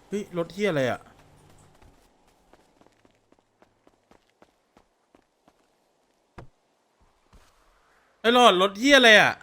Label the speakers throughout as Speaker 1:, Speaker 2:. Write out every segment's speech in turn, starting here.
Speaker 1: เฮ้ยรถเที่ยอะไรอ่ะไอ้หลอดรถเที่ยอะไรอ่ะ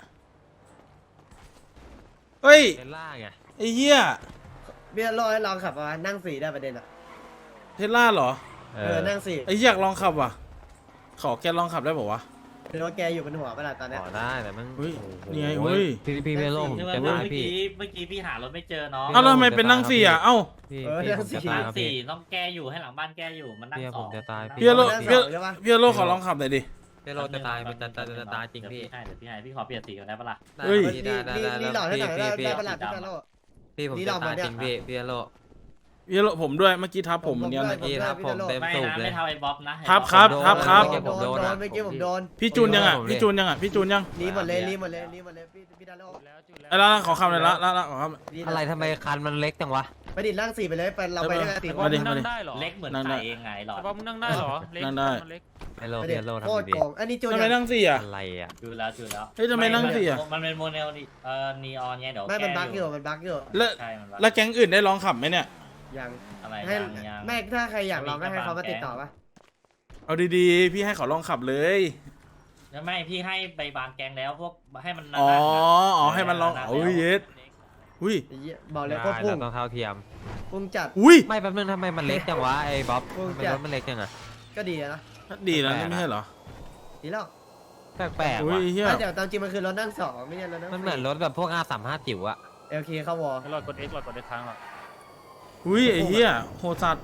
Speaker 1: เฮ้ย
Speaker 2: เทสล่าไง
Speaker 1: ไอ้เหี้ย
Speaker 3: เบี้ยร้อยลองขับมานั่งสี่ได้ประเด็นอ่ะ
Speaker 1: เทสลาเหรอ
Speaker 3: นั่งสี่
Speaker 1: ไอ้เหี้ยอยากลองขับว่ะขอแกลองขับได้ป่าวะ
Speaker 3: หรือว่าแกอยู่บนหัวเวลาตอนเนี้ย
Speaker 2: ขอได้แต่มัน
Speaker 1: เฮ้ย
Speaker 2: โอ้โห
Speaker 1: นี่ไงเฮ้ย
Speaker 2: พี่เมโลผม
Speaker 4: เมื่
Speaker 2: จะตาย
Speaker 4: อ
Speaker 2: พี่
Speaker 4: กี้เมื่อกี้พี่หารถไม่เจอน้อง
Speaker 1: เอ้าแล้วทำไมเป็นนั่งสี่อ่ะเอ้า
Speaker 2: พี่ผมจะตาย
Speaker 4: นั่ง
Speaker 2: ครับ
Speaker 4: สี่
Speaker 2: พี่
Speaker 4: ต้องแก้อยู่ให้หลังบ้านแก้อยู่มันนั่ง
Speaker 2: พี่
Speaker 4: ส
Speaker 2: ผ
Speaker 4: อง
Speaker 2: มจะตาย
Speaker 1: พี่โล
Speaker 3: นั่ง
Speaker 1: พี่
Speaker 3: สองใช่ปะ
Speaker 1: พี่โลขอลองขับหน่อยดิ
Speaker 2: เมโลจะตายมันจะตายจริงพี่
Speaker 4: เดี๋ยวพี่ให้พี่ขอเปลี่ยนสีก่อนได้ปะล่ะ
Speaker 1: เฮ้ย
Speaker 3: นี่หล่อให้หน่อยได้ประหลาดที่โล
Speaker 2: พี่ผมจะตายจริงพี่เมโล
Speaker 1: พี่โลผมด้วยเมื่อกี้ทับผมเหมือนกัน
Speaker 2: พี่ทับผมเต็ม
Speaker 4: ไม่
Speaker 2: สูบ
Speaker 4: นะ
Speaker 2: เลย
Speaker 4: ไม่เท่าไอ้บ๊อบนะ
Speaker 1: ครับ
Speaker 2: ผมโดน
Speaker 3: เมื่อกี้ผมโดน
Speaker 1: พี่จูนยังอ่ะพี่จูนยังอ่ะพี่จูนยัง
Speaker 3: รีหมดเลยพี่ดาโล
Speaker 1: ไอ้ละขอขับหน่อยละขอขับ
Speaker 2: อะไรทำไมคันมันเล็กจังวะ
Speaker 3: ไปดินั่งสี่ไปเลยไปเราไปด้วยกันสี่ค
Speaker 1: มาน ดิ
Speaker 5: นั่งได้เหรอ
Speaker 4: เล็กเหมือน
Speaker 1: นั่งได้
Speaker 4: ไข่เองไงหลอด
Speaker 5: แต่ว่ามึงนั่งได้เหรอเล็ก
Speaker 1: นั่งได้
Speaker 5: มันเล็ก
Speaker 2: เมโล
Speaker 3: ไป
Speaker 2: เม
Speaker 3: ดิ
Speaker 2: โล
Speaker 3: โค
Speaker 2: ทำ
Speaker 3: ตร
Speaker 2: ดี
Speaker 3: โกงอันนี้จูน
Speaker 1: ทำไมนั่งสี่อ่ะ
Speaker 2: อะไรอ่ะ
Speaker 4: ดูแล้วดูแล้ว
Speaker 1: เฮ้ยทำไมนั่งสี่อ่ะ
Speaker 4: มันเป็นโมเดลนีออนไงเดี๋ยว
Speaker 3: ไม่มันบั๊กอยู่
Speaker 1: แล้ว
Speaker 4: ใช่มันบั๊ก
Speaker 1: แล้วแก๊งอื่นได้ลองขับไหมเนี่ย
Speaker 3: ยัง
Speaker 4: อะไร
Speaker 3: ให้
Speaker 4: ยัง
Speaker 3: แม่ถ้าใครอยากลองก็ให้เขามาติดต่อปะ
Speaker 1: เอาดีๆพี่ให้เขาลองขับเลย
Speaker 4: แล้วไม่พี่ให้ไปบางแกงแล้วพวกให้มัน
Speaker 1: อ๋อให้มันลองอุ้ยเย็ดอุ้ย
Speaker 3: บอกเลยก็พุ่ง
Speaker 2: เราต้องเท่าเทียม
Speaker 3: พุ่งจัด
Speaker 1: อุ้ย
Speaker 2: ไม่แป๊บนึงทำไมมันเล็กจังวะไอ้บ๊อบ
Speaker 3: โอ้ย
Speaker 2: ทำไมรถมันเล็กจังอะ
Speaker 3: ก็ดีนะ
Speaker 1: ดีแล้วนี่ไม่ใช่เหรอ
Speaker 3: ดีแล้ว
Speaker 2: แปลกๆ
Speaker 1: อุ้
Speaker 2: ว่ะ
Speaker 1: ยเฮีย
Speaker 3: แต่ตามจริงมันคือรถนั่งสองไม่ใช่รถนั่ง
Speaker 2: มันเหมือนรถแบบพวก R35 จิ๋วอะ
Speaker 3: LK เข้าวอล
Speaker 5: หลอดกด X หลอดกด X ค้างหรอ
Speaker 1: อุ้ยไอ้เฮียโหดสัตว์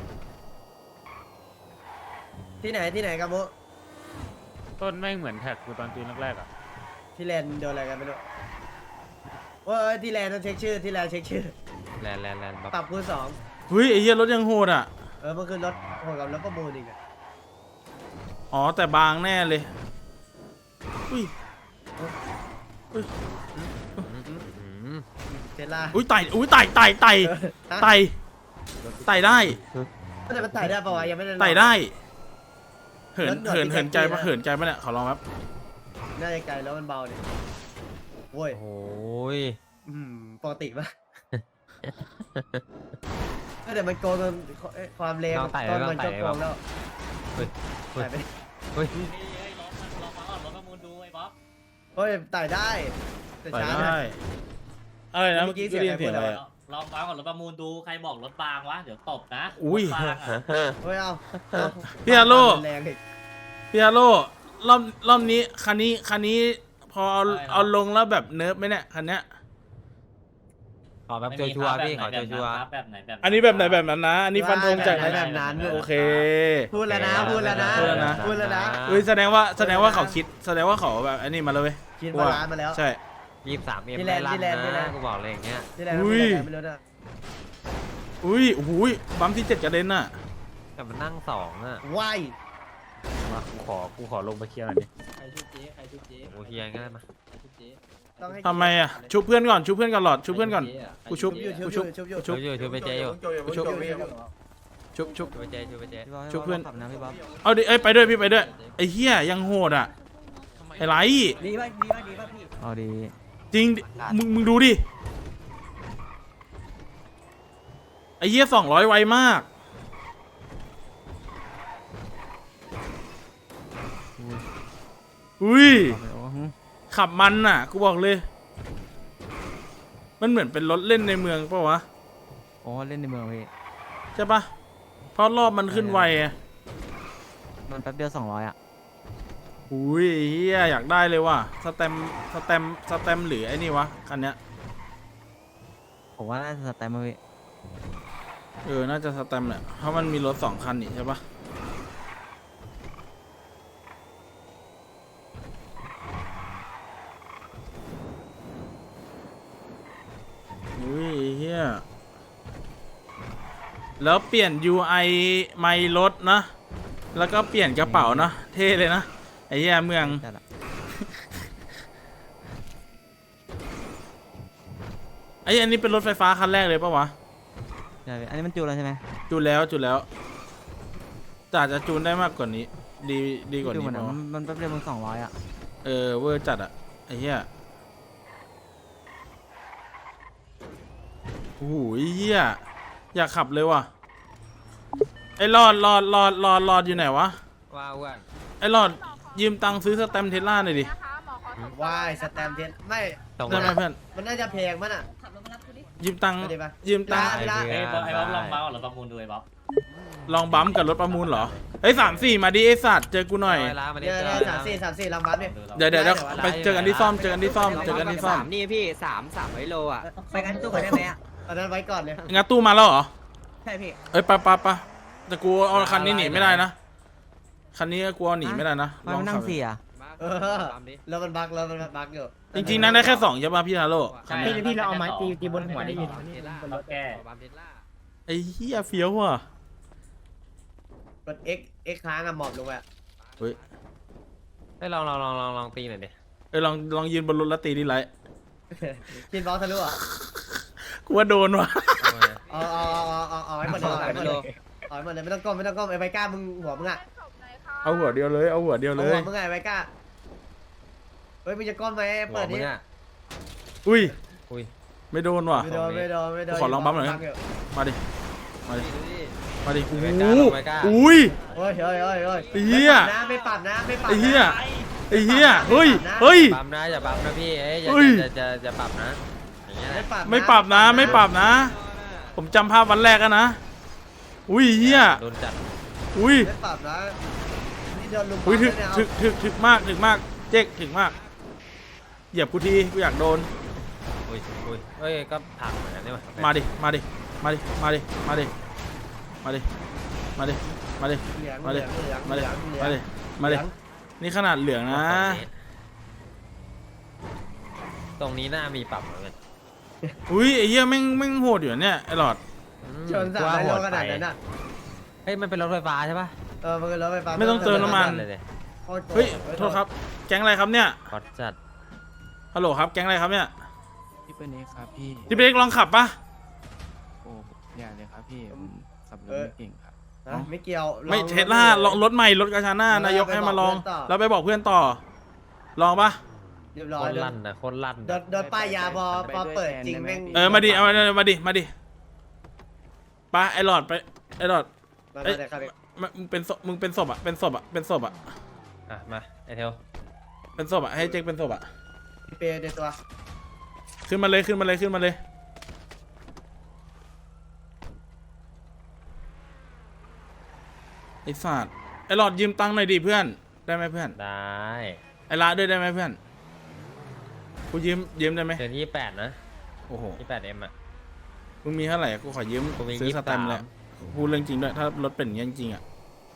Speaker 3: ที่ไหนกันโม
Speaker 5: ต้นแม่งเหมือนแท็กกูตอนจูนแรกๆอ่ะ
Speaker 3: ที่แลนด์โดนอะไรกันไม่รู้ว่าที่แลนด์ต้องเช็คชื่อที่แลนด์เช็คชื่อ
Speaker 2: แลนบ๊อบ
Speaker 3: ปรับคูณสอง
Speaker 1: อุ้ยไอ้เฮียรถยังโหดอ่ะ
Speaker 3: มันคือรถโหดกับรถประมูลอีกอะ
Speaker 1: อ๋อแต่บางแน่เลยอุ้ย
Speaker 2: อืม
Speaker 3: เทสลา
Speaker 1: อุ้ยไต่อุ้ยไต่ไต่ไต่ได้
Speaker 3: แต่มันไต่ได้ปะวะยังไม่ได้ลอง
Speaker 1: ไต่ได้เหิน
Speaker 3: รถหนวด
Speaker 1: เหิน
Speaker 3: ที่
Speaker 1: เหินใจ
Speaker 3: แท็กซี่
Speaker 1: ปะ
Speaker 3: นะ
Speaker 1: เหินใจปะเนี่ยขอลองครับ
Speaker 3: น่าจะไกลแล้วมันเบาเนี่ยโว้ย
Speaker 2: โอ้ย
Speaker 3: ปกติปะแต่มันโกงจนความเร็วต้นมันก็โกงแล้ว
Speaker 2: เฮ้ย
Speaker 3: ไต่ไป
Speaker 2: เฮ้ย
Speaker 4: ลองมาเอารถประมูลดูไอ้บ๊อบ
Speaker 3: เฮ้ยไต่ได้แต่
Speaker 1: ไต่
Speaker 3: ช้า
Speaker 1: ได้อะไรนะ
Speaker 3: เมื่
Speaker 1: เมื่
Speaker 3: อ
Speaker 1: อ
Speaker 3: กี้
Speaker 1: กี้
Speaker 3: เสี
Speaker 1: ได้
Speaker 3: ยง
Speaker 1: ยินเสียง
Speaker 3: ใคร
Speaker 1: อะไร
Speaker 3: พูด
Speaker 1: อะ
Speaker 4: ลองมาก่อนรถประมูลดูใครบอกรถบางวะเดี๋ยวตบนะ
Speaker 1: อุ้ย
Speaker 4: รถบางอะ
Speaker 3: เฮ้ยเอา
Speaker 1: พี่อาโล
Speaker 3: แรงอีก
Speaker 1: พี่อาโลรอบนี้คันนี้พอเอาลงแล้วแบบเนิร์ฟไหมเนี่ยคันเนี้ย
Speaker 2: ขอแบบชัวร์ๆพี่ขอชัวร์
Speaker 4: แบบไหนแบบ
Speaker 1: อันนี้แบบไหนแบบนั้นนะ อันนี้ฟันธงจาก
Speaker 3: แบบนั้น
Speaker 1: โอเค
Speaker 3: พูดแล้วนะพูดแล้วนะ
Speaker 1: พูดแล้วนะ
Speaker 3: พูดแล้วนะ
Speaker 1: เฮ้ยแสดงว่าเขาคิดแสดงว่าเขาแบบอันนี้มาเลยเว้ย
Speaker 3: คิดมาล้านมาแล้ว
Speaker 1: ใช่
Speaker 2: 23
Speaker 3: ที่
Speaker 2: M
Speaker 3: แล
Speaker 2: ได้
Speaker 3: นด์
Speaker 2: ลั่น
Speaker 3: ที่แลนด์
Speaker 2: นะกูบอกเลยอย่างเงี้ย
Speaker 3: ที่แรกเรา
Speaker 1: อุ้ย
Speaker 3: ไม่รู้นะ
Speaker 1: อุ้ยโอ้โหบัมที่7กระเด็นน่ะ
Speaker 2: แต่มันนั่ง2อะ
Speaker 3: ว้าย
Speaker 5: มากูขอลงไปเคลียร์หน่อยดิ
Speaker 2: โอ้เฮียง่ายมา
Speaker 3: ต้องให้
Speaker 1: ทำไมอ่ะชุบเพื่อนก่อนหลอดชุบเพื่อนก่อนกูชุบ
Speaker 3: ชุบ
Speaker 1: กู
Speaker 3: ชุ
Speaker 1: ชุ
Speaker 3: บบ ชุบ
Speaker 1: ชุ
Speaker 2: ช่วยไปเจอยู่
Speaker 1: ชุบชุบ
Speaker 2: ช่วยไปเจช่วยไปเจ
Speaker 1: ชุบเพื่อนเอาดิเอ้ยไปด้วยพี่ไปด้วยไอ้เหี้ยยังโหดอ่ะไอ้ไร
Speaker 3: ดีป่ะพี่
Speaker 2: เอาดี
Speaker 1: จริงมึงดูดิไอ้เหี้ย200ไวมากอุ้ยขับมันน่ะกูบอกเลย มันเหมือนเป็นรถเล่นในเมืองปะวะ
Speaker 6: อ๋อเล่นในเมืองพี่
Speaker 1: ใช่ปะเพราะรอบมันขึ้นไวอะ
Speaker 6: มันแป๊บเดียว200อ่ะ
Speaker 1: อุ้ยเฮียอยากได้เลยว่ะสแตมหรือไอ้นี่วะคันเนี้ย
Speaker 6: ผมว่าน่าจะสแตมป์มาพี่
Speaker 1: น่าจะสแตมแหละเพราะมันมีรถ2 คันนี่ใช่ปะอุ้ยเฮียแล้วเปลี่ยน UI ไมล์รถนะ แล้วก็เปลี่ยนกระเป๋านะเท่เลยนะไอ้เหี้ยเมือง
Speaker 6: จัดอะ
Speaker 1: อันนี้เป็นรถไฟฟ้าคันแรกเลยปะวะ
Speaker 6: ใช่พี่อันนี้มันจูนแล้วใช่ไหม
Speaker 1: จูนแล้วแต่อาจจะจูนได้มากกว่านี้ ดีกว่า
Speaker 6: ดู
Speaker 1: นี้
Speaker 6: เหมือน
Speaker 1: ปะวะ
Speaker 6: มันแป๊บเดียวมัน200อ่ะ
Speaker 1: เวอร์จัดอะไอ้เหี้ยโอ้โหเหี้ยอยากขับเลยว่ะไอ้หลอดอยู่ไหนวะ
Speaker 2: ว่าอ้วน
Speaker 1: ไอ้หลอดยืมตังค์ซื้อสแตมป์เทสลาหน่อยดิ
Speaker 3: วายสแตมป์เทนไม่
Speaker 2: ตรง
Speaker 1: ได้ไหม
Speaker 2: นั้น
Speaker 1: เพื่อน
Speaker 3: มันน่าจะแพงมั้งอ่ะ
Speaker 1: ยืมตังค์
Speaker 3: ไปดิปะ
Speaker 1: ยืมตังค์
Speaker 3: เวลา
Speaker 4: ไอ้บ๊อบลองเมาส์หรือประมูลดูไอ้บ๊อบ
Speaker 1: ลองบัมป์กับรถประมูลเหรอเฮ้ย3-4มาดิไอ้สัตว์เจอกูหน่อย
Speaker 2: เวลามา
Speaker 3: เดี๋ยว
Speaker 2: เจอ
Speaker 3: 34ลำบัฟดิ
Speaker 1: เดี๋ยวไปเจอกันที่ซ่อมเจอกันที่ซ่อม
Speaker 2: นี่พี่300 โลอ่ะ
Speaker 6: ไปกันตู้ก่อนได้ไหมอ่ะ
Speaker 3: ตอนนั้นไว้ก่อนเลย
Speaker 1: งัดตู้มาแล้วเหรอ
Speaker 6: ใช่พี่
Speaker 1: เอ้ยไปแต่กูเอาคันนี้หนีไม่ได้นะคันนี้กูเอาหนีไม่ได้นะ
Speaker 6: มัน นั่ง
Speaker 1: ลองขับ
Speaker 6: เสีย
Speaker 3: เออแล้วมันบักอยู่
Speaker 1: จริงๆนั่งได้แค่2ใช่ป่ะพี่ฮาโลคันนี้
Speaker 4: พี่เราเอาไม้ตีบนหัวได้ยินเราแก้
Speaker 1: ไอ้เหี้ยเฟี้ยวว่ะ
Speaker 3: กด X ค้างอะหมอบลงไป
Speaker 1: เฮ้ย
Speaker 2: ให้ลองตีหน่อยดิ
Speaker 1: ลองยืนบนรถแล้วตีดิไร
Speaker 3: กินบอลทะลุอ่ะ
Speaker 1: กูว่าโดนว่ะ
Speaker 3: เอาให้หมดเลยเอาให้หมดเลยเอาให้หมดเลยไม่ต้องก้มไอ้ไวก้ามึงหัวมึงอ่ะ
Speaker 1: เอาหัวเดียวเลยเอาหัวเดียวเล
Speaker 3: เอาหั
Speaker 1: ยว
Speaker 3: มึงไงไวก้าเฮ้ยมึงจะก้มไหมเปิด
Speaker 2: มึ
Speaker 3: ดิ
Speaker 2: งอ่ะ
Speaker 1: อุ้ย
Speaker 2: อุ้ย
Speaker 1: ไม่โดนว่ะ
Speaker 3: ไม่โดน
Speaker 1: ขอลองบัฟหน่อยนะ มาดิมาดิโอ้โห
Speaker 2: ไม่กล้าลงไม่กล้า
Speaker 1: อุ้ย
Speaker 3: โอ้ย
Speaker 1: ไอ้เหี้ย
Speaker 3: ไม่ปรับนะ
Speaker 1: ไอ้เหี้ยเฮ้ย
Speaker 2: ปั๊มนะอย่าปั๊มนะพี่เอ้ยอย่าปรับนะอย่างเงี้ย
Speaker 1: ไม่ปรับนะ ผมจำภาพวันแรกอะนะอุ้ยเหี้ย
Speaker 2: โดนจัด
Speaker 1: อุ้ย
Speaker 3: ไม่ปรับนะนี่โดนลุม
Speaker 1: อุ้ย
Speaker 3: เนี่ยเอา
Speaker 1: ถึกมากเจ๊กถึกมากเหยียบกูทีกูอยากโดน
Speaker 2: อุ้ยเอ้ยก็ผักเหมือนกันใช่ไหม
Speaker 1: มาดิมาดิ
Speaker 3: เหลือง
Speaker 1: มาดิ
Speaker 3: เหลือง
Speaker 1: มาดิ
Speaker 3: เหลือง
Speaker 1: นี่ขนาดเหลืองนะ
Speaker 2: ตรงนี้น่ามีปรับเหมือนกัน
Speaker 1: อุ้ยไอ้เหี้ยแม่งโหดอยู่เนี่ยไอ้หลอด
Speaker 3: ชน300 โลขนาดนั้นอ่ะ
Speaker 2: เฮ้ยมันเป็นรถไฟฟ้าใช่ปะ
Speaker 3: มันเป็นรถไฟฟ้า
Speaker 1: ไม่ต้องเติมน้ำมัน
Speaker 2: เลยดิ
Speaker 1: เฮ้ยโทษครับแก๊งอะไรครับเนี่ย
Speaker 2: ฮอตจัด
Speaker 1: ฮัลโหลครับแก๊งอะไรครับเนี่ย
Speaker 7: พี่เป็นเอกครับพี่
Speaker 1: ที่เป็นเอกลองขับปะ
Speaker 7: โอ้อย่าเลยครับพี่ผมขับรถไม่เก่งครับ
Speaker 3: ไม่เกี่ยว
Speaker 1: ไม่เทสลาลองรถใหม่รถกาชาน่านายกให้มาลองแล้วไปบอกเพื่อนต่อลองปะ
Speaker 3: เรียบ
Speaker 2: โค
Speaker 3: ร้อย
Speaker 2: ตรลั่นนะโคตรลั่น
Speaker 3: โดนป้ายยาพอเปิดจริงแม่ง
Speaker 1: มาดิเอามาดิไปไอ้หลอดไปไอ้หลอด
Speaker 3: มาเลยครับ
Speaker 1: มึงเป็นศพอ่ะเป็นศพอ่ะ
Speaker 2: อ่ะมาไอเทล
Speaker 1: เป็นศพอ่ะให้เจ๊กเป็นศพอ่ะ
Speaker 3: เปย์ในตัว
Speaker 1: ขึ้นมาเลยไอ้สัตว์ไอ้หลอดยืมตังค์หน่อยดิเพื่อนได้ไหมเพื่อน
Speaker 2: ได้
Speaker 1: ไอ้ละด้วยได้ไหมเพื่อนกูยืมได้ไหม
Speaker 2: เดือน28นะ
Speaker 1: โอ้โห
Speaker 2: 28M อ่ะ
Speaker 1: มึงมีเท่าไหร่กูขอยืม
Speaker 2: กูมี
Speaker 1: ซื้อสแตมป์
Speaker 2: 23
Speaker 1: เลยพูดเรื่องจริงด้วยถ้ารถเป็นอย่างนี้จริงๆอ่ะ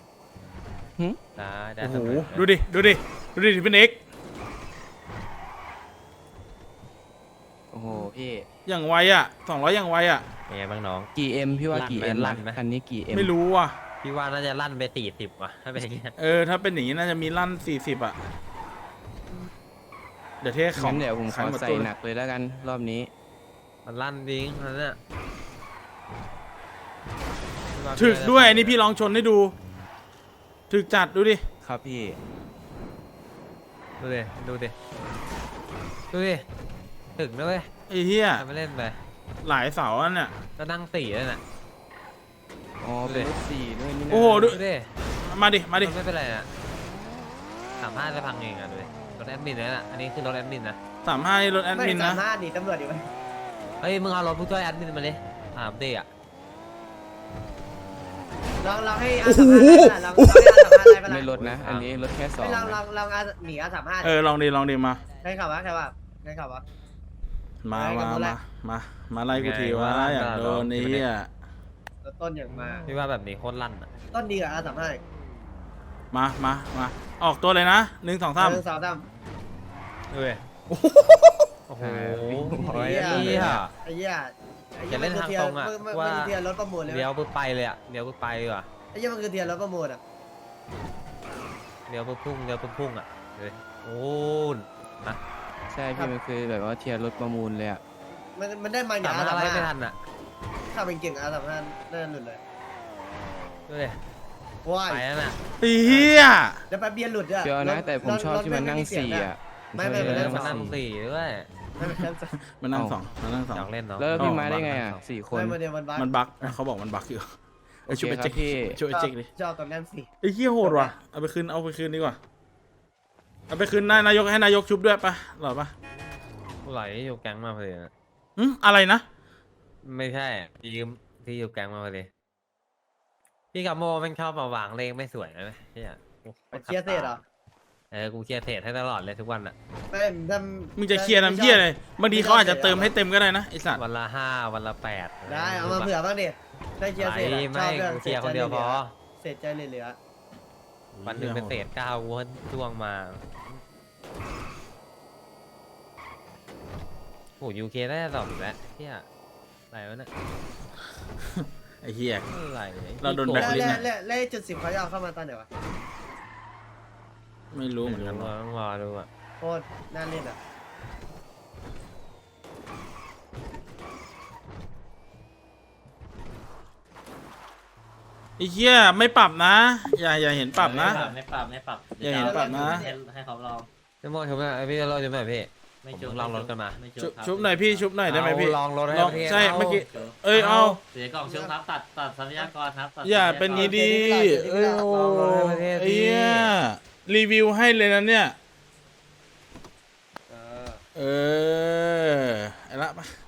Speaker 2: ได้
Speaker 1: โอ้โห
Speaker 2: เสมอ
Speaker 1: ดูดิเป็นเอก
Speaker 7: โอ้โหพี่
Speaker 1: อย่างไวอ่ะ200อย่างไวอ่ะ
Speaker 2: เป็นไงบ้างน้อง
Speaker 7: กี่เอ็มพี่ว่า
Speaker 2: ลั่น
Speaker 7: กี่
Speaker 2: ไหม
Speaker 7: เอ็ม
Speaker 2: ลั่นไหม
Speaker 7: คันนี้กี่เอ็ม
Speaker 1: ไม่รู้ว่ะ
Speaker 2: พี่ว่าน่าจะลั่นไป40ว่ะถ้าเป็นอย่างเงี้ย
Speaker 1: ถ้าเป็นอย่างนี้น่าจะมีลั่น40อ่ะเดี๋ยวเทขอ
Speaker 7: งั้
Speaker 1: ง
Speaker 7: นเดี๋ยวผมข
Speaker 1: ขาย
Speaker 7: อ
Speaker 1: หมด
Speaker 7: ใส่
Speaker 1: ตู้
Speaker 7: หนักเลยแล้วกันรอบนี้
Speaker 2: มันลั่นดิ้งนั่นน่ะ
Speaker 1: ถึกด้วยอันนี้พี่ลองชนให้ดูถึกจัดดูดิ
Speaker 7: ครับพี่
Speaker 2: ดูดิถึงด้วย
Speaker 1: ไอ้เหี้ย
Speaker 2: ทำไม่เล่นไป
Speaker 1: หลายเสาอันเนี่ย
Speaker 2: ก็นั่ง4แล้วน่ะ
Speaker 7: อ๋อเป็นรถสี่ด้วยนี่นะ
Speaker 1: โอ้โหดู
Speaker 2: ดิ
Speaker 1: มาดิ
Speaker 2: ไม่เป็นไรน่ะ35จะพังเองอ่ะดูดิรถแอดมินนั่นน่ะอันนี้คือรถแอดมินนะ
Speaker 1: 35นี่รถแอด
Speaker 3: ไม่
Speaker 1: มินนะ
Speaker 3: สามารถหนีตำรวจอยู่ไหม
Speaker 2: เฮ้ยมึงเอารถผู้ช่วยแอดมินมาเลย3D อ่ะ
Speaker 3: ลองให้อาสามารถลองให้อาสามารถอะไร
Speaker 7: ไม่รถนะ อันนี้รถแค่สอง
Speaker 3: ไม่ลอง
Speaker 7: นะ
Speaker 3: หนีอาสามารถ
Speaker 1: ลองดิมา
Speaker 3: ใครขับวะ
Speaker 1: มาไล่กูทีวะอยากโดนไอ้เหี้ย
Speaker 3: ต้นอย่างมา
Speaker 2: พี่ว่าแบบนี้โคตรลั่นอ่ะ
Speaker 3: ต้นดีกับอาสามารถ
Speaker 1: มาออกตัวเลยนะ1 2 3
Speaker 3: 1 2 3
Speaker 2: ดูดิโอ้โห
Speaker 3: ไอ้เหี้ย
Speaker 2: จะเล่นทางตรงอ่ะ
Speaker 3: มัน
Speaker 2: ว่า
Speaker 3: คือเทียร์รถประมูลเลย
Speaker 2: เดี๋ยวปึ๊บไปเลยอ่ะเดี๋ยวปึ๊บไปดีกว่า
Speaker 3: ไอ้เหี้ยมันคือเทียร์รถประมูลอ่ะ
Speaker 2: เดี๋ยวปึ๊บพุ่งอ่ะเลยโอ้นนะ
Speaker 7: ใช่พี่มันคือแบบว่าเทียร์รถประมูลเลยอ่ะ
Speaker 3: มันได้มาอย่าง
Speaker 2: สามารถ
Speaker 3: อาสา
Speaker 2: อะไร
Speaker 3: มาร
Speaker 2: ไม่
Speaker 3: ถ
Speaker 2: ทันอ่ะ
Speaker 3: ถ้าเป็นเก่งอาสามารถน่าจะหลุดเลย
Speaker 2: ดูดิ
Speaker 3: ว้าย
Speaker 2: ไปแล้วน่ะ
Speaker 1: ไอ้เหี้ย
Speaker 3: แล้วแป๊บเดียวหลุดอ่ะ
Speaker 7: เดี๋ยวนะแต่ผมชอบที่มันนั่งสี่อ่ะ
Speaker 3: ไม่
Speaker 2: เอ
Speaker 3: มัน
Speaker 2: อ
Speaker 3: นั่ง
Speaker 2: มานั่ง
Speaker 3: 4
Speaker 2: 4ด้วย
Speaker 3: ม
Speaker 1: มันนั่งสองมันนั่งสอง
Speaker 2: อยากเล่นเนาะ
Speaker 7: แล้วพี่มาได้ไงอ่ะ
Speaker 2: เอา
Speaker 7: 4 คน
Speaker 3: ไม่มาเดียวมันบัก
Speaker 1: มันบั๊กเขาบอกมันบั๊กอยู่ไอ้ยช่วยไป
Speaker 7: โอเคครั
Speaker 1: เจ๊
Speaker 7: บพี่
Speaker 1: ช่วยไปเจ๊กดิ
Speaker 3: ชอบตรงนั้นสิ
Speaker 1: ไอ้เหี้ยโหดว่ะเอาไปคืนดีกว่าเอาไปคืนนายกให้นายกชุบด้วยปะหรอปะ
Speaker 2: ไหลอยู่แก๊งมาพอดีนะ
Speaker 1: อะไรนะ
Speaker 2: ไม่ใช่พี่ยืมพี่อยู่แก๊งมาพอดีพี่กับโมมันชอบมาวางเลขไม่สวยนะเฮีย
Speaker 3: เคลียร์เสร็จเหรอ
Speaker 2: กูเคลียร์เทรดให้ตลอดเลยทุกวันอะ
Speaker 3: ไม่ทำ
Speaker 1: มึงจะเคลียร์น้ำเหี้ยเลยบางทีเขาอาจจะเติมให้เต็มก็ได้นะไอ้สัตว์
Speaker 2: วันละ5วันละ8
Speaker 3: ได้เอามาเผื่อบ้างดิได้เคลียร์เสร็จอะช
Speaker 2: ไม่
Speaker 3: อบเรื่อง
Speaker 2: กูเคลียร์คนเดียวพอ
Speaker 3: เสร็จใจเหลือ
Speaker 2: วันหนึ่งเป็นเศษ9กูช่วงมาโหยูเคได้ตอบอีกแล้วเฮียอะไรวะเนี่ย
Speaker 1: ไอ้เหี้ย
Speaker 2: อะไร
Speaker 1: เราโดน
Speaker 3: ๆ
Speaker 1: แบ
Speaker 3: แล้ว
Speaker 1: คลิสต์
Speaker 3: แล้วจุด10เขาจะเอาเข้ามาตอนไหนวะ
Speaker 1: ไม่รู้เหมือนกัน
Speaker 2: ต้องรอดูอ่ะ
Speaker 3: โคตรน่าเล่นอ่ะ
Speaker 1: ไอ้เหี้ยไม่ปรับนะ อย่าเห็นปรับนะ
Speaker 4: ไม่ปรับไม่ปรับ
Speaker 1: อย่าเห็นปรับนะ
Speaker 4: ให้เขาลอง
Speaker 2: พี่โมชุบหน่อยพี่เราชุบหน่อยพี่
Speaker 4: ไม่จุบ
Speaker 2: ลองรถกันมา
Speaker 4: ไม่
Speaker 1: ชุบหน่อยพี่ชุบหน่อยได้ไหมพี่
Speaker 2: ลองรถให้
Speaker 1: ลอง
Speaker 2: พี่
Speaker 1: ใช่
Speaker 2: า
Speaker 1: เมื่อกี้ เอ้ยเอา
Speaker 4: เสียกล่องชุบครับตัดทรัพยากรครับตัด
Speaker 1: อย่าเป็นงี้ดีเอ้ยโอ้ไอ้เหี้ยรีวิวให้เลยนะเนี่ย เออไอ้ละมา